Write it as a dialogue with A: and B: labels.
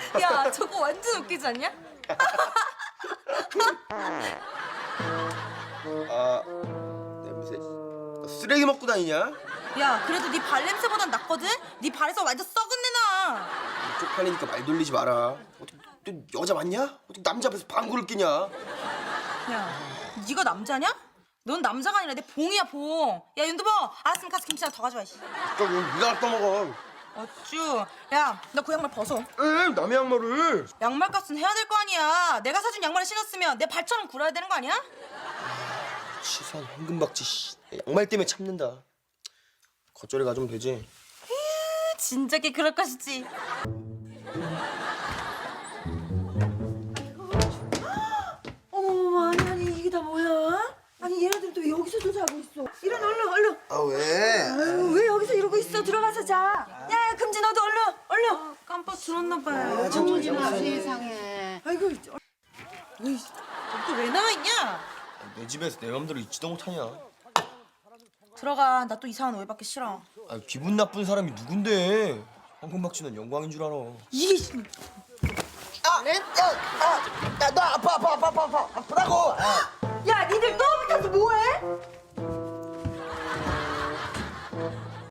A: 야, 저거 완전 웃기지 않냐?
B: 아, 냄새. 쓰레기 먹고 다니냐?
A: 야, 그래도 네 발냄새보단 낫거든? 네 발에서 완전 썩은 내 나.
B: 쪽팔리니까 말 돌리지 마라. 어떻게 너 여자 맞냐? 어떻게 남자 앞에서 방구를 끼냐?
A: 야, 네가 남자냐? 넌 남자가 아니라 내 봉이야, 봉. 야, 윤두보, 알았으면 가서 김치나 더 가져와.
B: 그럼 네가 갖다 먹어.
A: 어쭈. 야, 너 그 양말 벗어.
B: 에 남의 양말을.
A: 양말 값은 해야 될 거 아니야. 내가 사준 양말을 신었으면 내 발처럼 굴어야 되는 거 아니야?
B: 치사한 황금박쥐 씨. 양말 때문에 참는다. 겉절이 가져오면 되지.
A: 진작에 그럴 것이지.
C: 어머, 아니 이게 다 뭐야? 아니 얘네들도 왜 여기서도 자고 있어? 일어나 얼른.
B: 아 왜?
C: 아유, 왜 여기서 이러고 있어? 들어가서 자. 야, 금지 너도 얼른.
A: 깜빡 들었나 봐요.
C: 정진아 세상에. 아이고.
A: 너 왜 나와 있냐?
B: 내 집에서 내 맘대로 있지도 못하냐?
A: 들어가. 나 또 이상한 오해받기 싫어.
B: 아 기분 나쁜 사람이 누군데? 황금박쥐는 영광인 줄 알아.
A: 이게 씨.
B: 너 아파라고.